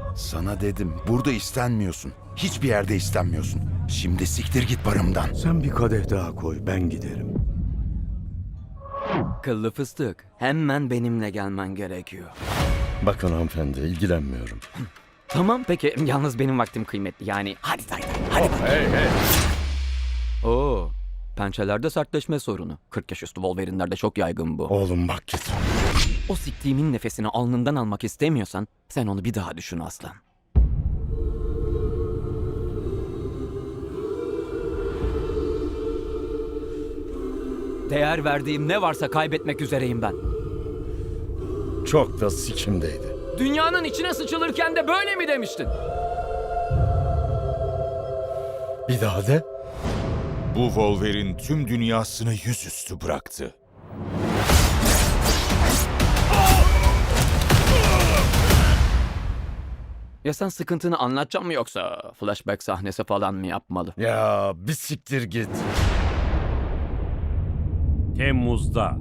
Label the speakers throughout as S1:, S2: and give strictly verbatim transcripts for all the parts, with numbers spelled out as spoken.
S1: Sana dedim, burada istenmiyorsun. Hiçbir yerde istenmiyorsun. Şimdi siktir git barımdan.
S2: Sen bir kadeh daha koy, ben giderim.
S3: Kıllı fıstık, hemen benimle gelmen gerekiyor.
S2: Bakın hanımefendi, ilgilenmiyorum.
S3: Tamam peki, yalnız benim vaktim kıymetli. Yani hadi hadi hadi.
S2: Hey hey!
S3: Oo, pençelerde sertleşme sorunu. kırk yaş üstü Wolverine'lerde çok yaygın bu.
S2: Oğlum bak git.
S3: O siktiğimin nefesini alnından almak istemiyorsan sen onu bir daha düşün aslan. Değer verdiğim ne varsa kaybetmek üzereyim ben.
S2: Çok da sikimdeydi.
S3: Dünyanın içine sıçılırken de böyle mi demiştin?
S2: Bir daha de.
S4: Bu Wolverine tüm dünyasını yüzüstü bıraktı.
S3: Ya sen sıkıntını anlatacak mı yoksa flashback sahnesi falan mı yapmalı?
S2: Ya bir siktir git.
S5: Temmuz'da.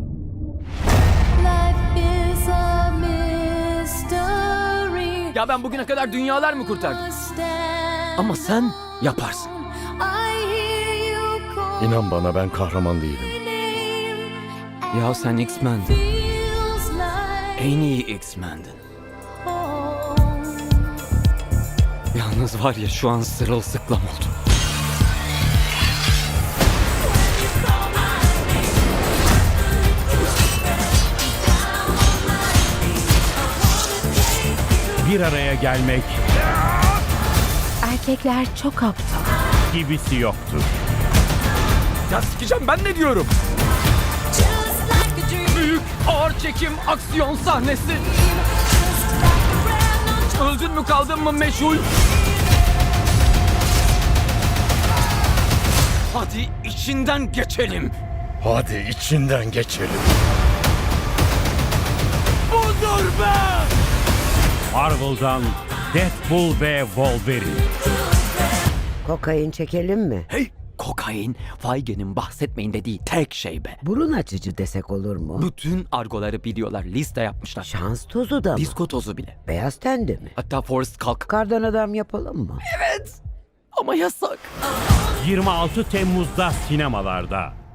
S6: Life is a mystery.
S3: Ya ben bugüne kadar dünyalar mı kurtardım?
S6: Stand.
S3: Ama sen yaparsın.
S6: I hear you call
S2: İnan bana, ben kahraman değilim.
S6: my name.
S3: Ya sen X-Men'din.
S6: Feels like
S3: En iyi X-Men'din.
S6: home.
S3: Yalnız var ya şu an sırılsıklam oldum.
S5: Bir araya gelmek
S7: Erkekler çok aptal.
S5: gibisi yoktur.
S3: Ya sikeceğim ben ne diyorum?
S6: Just like a dream.
S3: Büyük ağır çekim aksiyon sahnesi.
S6: Just like a brand new
S3: Öldün mü kaldın mı meşhur? Hadi içinden geçelim.
S2: Hadi içinden geçelim.
S3: Budur be!
S5: Marvel'dan Deadpool ve Wolverine.
S8: Kokain çekelim mi?
S3: Hey! Kokain, Feige'nin bahsetmeyin dediği tek şey be.
S8: Burun açıcı desek olur mu?
S3: Bütün argoları biliyorlar, liste yapmışlar.
S8: Şans tozu da mı?
S3: Disko tozu bile.
S8: Beyaz tende mi?
S3: Hatta Forrest kalk.
S8: Kardan adam yapalım mı?
S3: Ama yasak.
S5: yirmi altı Temmuz'da sinemalarda.